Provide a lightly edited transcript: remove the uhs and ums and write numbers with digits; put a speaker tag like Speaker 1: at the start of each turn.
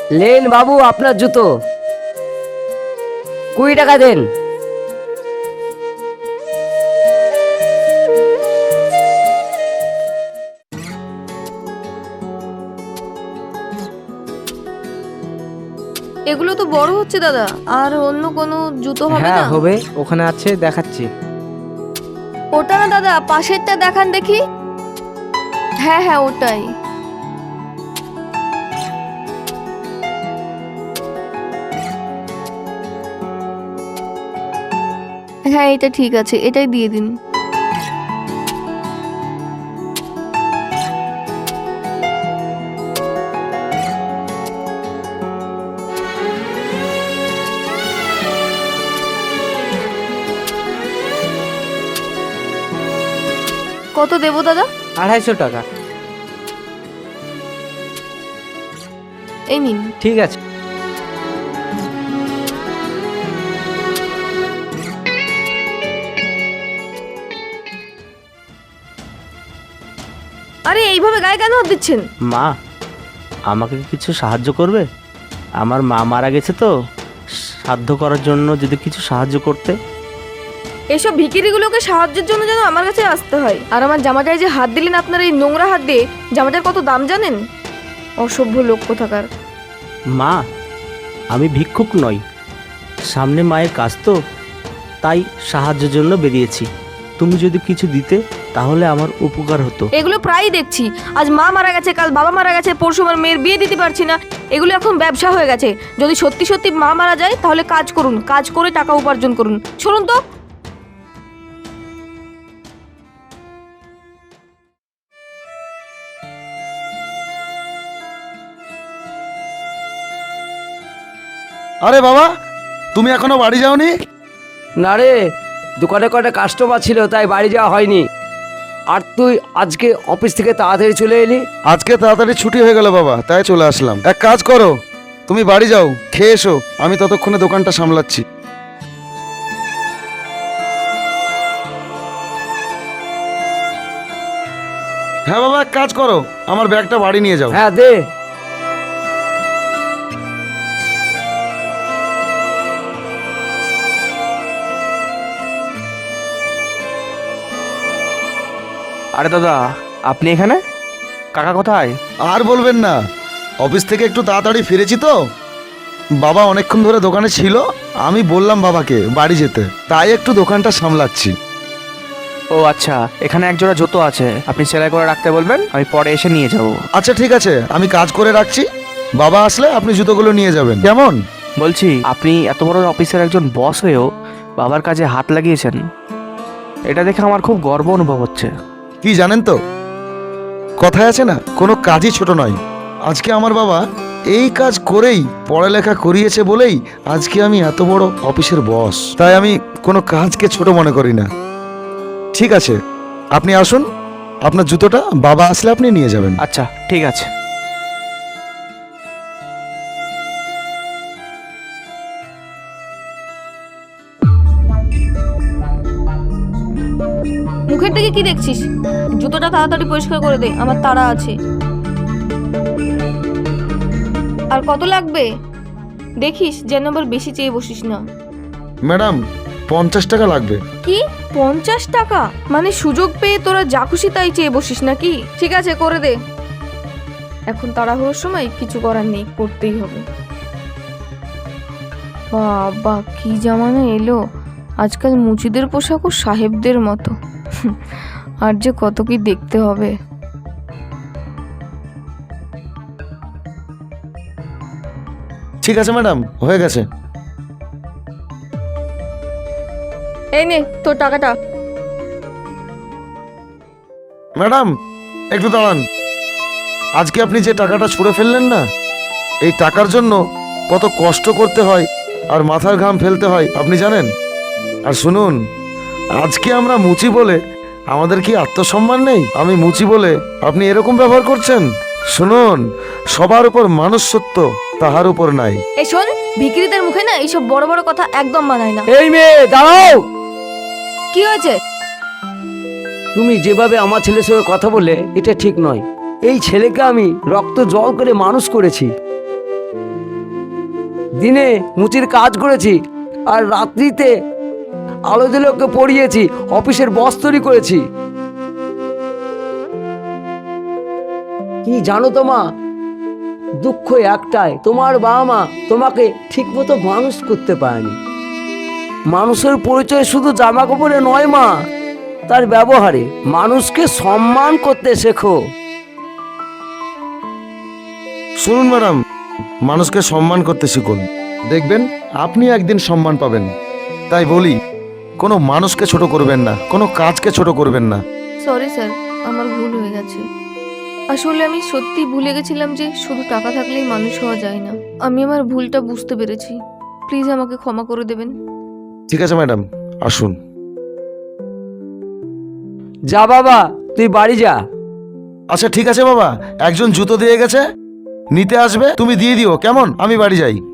Speaker 1: Lane বাবু আপনার জুতো, 20 টাকা দেন।
Speaker 2: এগুলো তো বড় হচ্ছে দাদা, আর অন্য কোনো জুতো হবে
Speaker 3: হ্যাঁ
Speaker 2: না?
Speaker 3: হবে, ওখানে আছে, দেখাচ্ছি।
Speaker 2: ওটা না দাদা, পাশেরটা দেখান দেখি। হ্যাঁ হ্যাঁ ওটাই। হ্যাঁ এটা ঠিক আছে, এটাই দিয়ে দিন। কত দেবো দাদা?
Speaker 3: 250 টাকা।
Speaker 2: এই নিন।
Speaker 3: ঠিক আছে।
Speaker 2: আরে এইভাবে গায়ে কেন হাত দিচ্ছেন?
Speaker 4: মা, আমাকে কি কিছু সাহায্য করবে? আমার মা মারা গেছে তো, সাধ্য করার জন্য যদি কিছু সাহায্য করতে।
Speaker 2: এসব ভিখিরিগুলোকে সাহায্যের জন্য যেন আমার কাছে আসতে হয়। আর আমার জামাটায় যে হাত দিলেন আপনার এই নোংরা হাত দিয়ে, জামাটার কত দাম জানেন? অসভ্য লোক কোথাকার।
Speaker 4: মা, আমি ভিক্ষুক নই, সামনে মায়ের কাজ তো, তাই সাহায্যের জন্য বেরিয়েছি। তুমি যদি কিছু দিতে তাহলে আমার উপকার হতো।
Speaker 2: এগুলো প্রায়ই দেখছি, আজ মা মারা গেছে, কাল বাবা মারা গেছে, পরশু আমার মেয়ের বিয়ে দিতে পারছি না। এগুলো এখন ব্যবসা হয়ে গেছে। যদি সত্যি সত্যি মা মারা যায় তাহলে কাজ করুন, কাজ করে টাকা উপার্জন করুন। শুনুন তো।
Speaker 5: আরে বাবা, তুমি এখনো বাড়ি যাওনি?
Speaker 1: না রে, দোকানে কয়টা কাস্টমার ছিল তাই বাড়ি যাওয়া হয়নি। আর তুই আজকে অফিস থেকে তাড়াতাড়ি চলে এলি?
Speaker 5: আজকে তাড়াতাড়ি ছুটি হয়ে গেল বাবা, তাই চলে আসলাম। এক কাজ করো, তুমি বাড়ি যাও, খেয়ে এসো, আমি ততক্ষণে দোকানটা সামলাচ্ছি। হ্যাঁ বাবা, এক কাজ করো, আমার ব্যাগটা বাড়ি নিয়ে যাও।
Speaker 1: হ্যাঁ দে।
Speaker 3: আরে দাদা, আপনি এখানে? কাকা কোথায়?
Speaker 5: আর বলবেন না, অফিস থেকে একটু তাড়াতাড়ি ফিরেছি তো, বাবা অনেকক্ষণ ধরে দোকানে ছিল, আমি বললাম বাবাকে বাড়ি যেতে, তাই একটু দোকানটা সামলাচ্ছি।
Speaker 3: ও আচ্ছা, এখানে এক জোড়া জুতো আছে, আপনি সেলাই করে রাখতে বলবেন, আমি পরে এসে নিয়ে যাব।
Speaker 5: আচ্ছা ঠিক আছে, আমি কাজ করে রাখছি, বাবা আসলে আপনি জুতোগুলো নিয়ে যাবেন, কেমন?
Speaker 3: বলছি, আপনি এত বড় অফিসের একজন বস হয়েও বাবার কাজে হাত লাগিয়েছেন, এটা দেখে আমার খুব গর্ব অনুভব হচ্ছে।
Speaker 5: কি জানেন তো, কথায় আছে না, কোনো কাজই ছোট নয়। আজকে আমার বাবা এই কাজ করেই পড়ালেখা করিয়েছে বলেই আজকে আমি এত বড় অফিসের বস, তাই আমি কোনো কাজকে ছোট মনে করি না। ঠিক আছে, আপনি আসুন, আপনার জুতোটা বাবা আসলে আপনি নিয়ে যাবেন।
Speaker 3: আচ্ছা ঠিক আছে।
Speaker 2: মুখের দিকে কি দেখছিস? জুতোটা তাড়াতাড়ি পরিষ্কার করে দে, আমার তাড়া আছে। আর কত লাগবে দেখিস, যেন আবার বেশি চেয়ে বসিস না।
Speaker 5: ম্যাডাম, 50 টাকা লাগবে।
Speaker 2: কি 50 টাকা? মানে সুযোগ পেয়ে তোরা যা খুশি তাই চেয়ে বসিস নাকি? ঠিক আছে করে দে, এখন তাড়াহুড়োর সময় কিছু করার নেই, করতেই হবে। বাবা কি জামানা এলো, আজকাল মুচিদের পোশাকও সাহেবদের মতো। আর যে কত কি দেখতে হবে।
Speaker 5: ঠিক আছে ম্যাডাম, হয়ে গেছে।
Speaker 2: এই নে তোর টাকাটা।
Speaker 5: ম্যাডাম একটু দাঁড়ান, আজকে আপনি যে টাকাটা ছুঁড়ে ফেললেন না, এই টাকার জন্য কত কষ্ট করতে হয় আর মাথার ঘাম ফেলতে হয় আপনি জানেন? আর শুনুন, আজকে আমরা মুচি বলে আমাদের কি আত্মসম্মান নেই? আমি মুচি বলে আপনি এরকম ব্যবহার করছেন? শুনুন, সবার উপর মানুষ সত্য, তাহার উপর নাই।
Speaker 2: এই শোন, ভিখিরিদের মুখে না এইসব বড় বড় কথা একদম মানায় না।
Speaker 1: এই মেয়ে দাঁড়াও।
Speaker 2: কি হয়েছে?
Speaker 1: তুমি যেভাবে আমার ছেলের সঙ্গে কথা বললে এটা ঠিক নয়। এই ছেলেকে আমি রক্ত জল করে মানুষ করেছি, দিনে মুচির কাজ করেছি আর রাত্রিতে আলো দিলে ওকে পড়িয়েছি, অফিসের বস তৈরি করেছি। কি জানো তো মা, দুঃখ একটাই, তোমার বাবা মা তোমাকে ঠিকমতো মানুষ করতে পারেনি। মানুষের পরিচয় শুধু জামা কাপড়ে নয় মা, তার ব্যবহারে। মানুষকে সম্মান করতে শেখো।
Speaker 5: শুনুন ম্যাডাম, মানুষকে সম্মান করতে শিখুন, দেখবেন আপনি একদিন সম্মান পাবেন। তাই বলি, কোনো মানুষকে ছোট করবেন না, কোনো কাজকে ছোট করবেন না।
Speaker 2: সরি স্যার, আমার ভুল হয়ে গেছে। আসলে আমি সত্যি ভুলে গেছিলাম যে শুধু টাকা থাকলেই মানুষ হওয়া যায় না। আমি আমার ভুলটা বুঝতে পেরেছি। প্লিজ আমাকে ক্ষমা করে দেবেন।
Speaker 5: ঠিক আছে ম্যাডাম, আসুন।
Speaker 1: যা বাবা, তুই বাড়ি যা।
Speaker 5: আচ্ছা ঠিক আছে বাবা, একজন জুতো দিয়ে গেছে, নিতে আসবে, তুমি দিয়ে দিও কেমন? আমি বাড়ি যাই।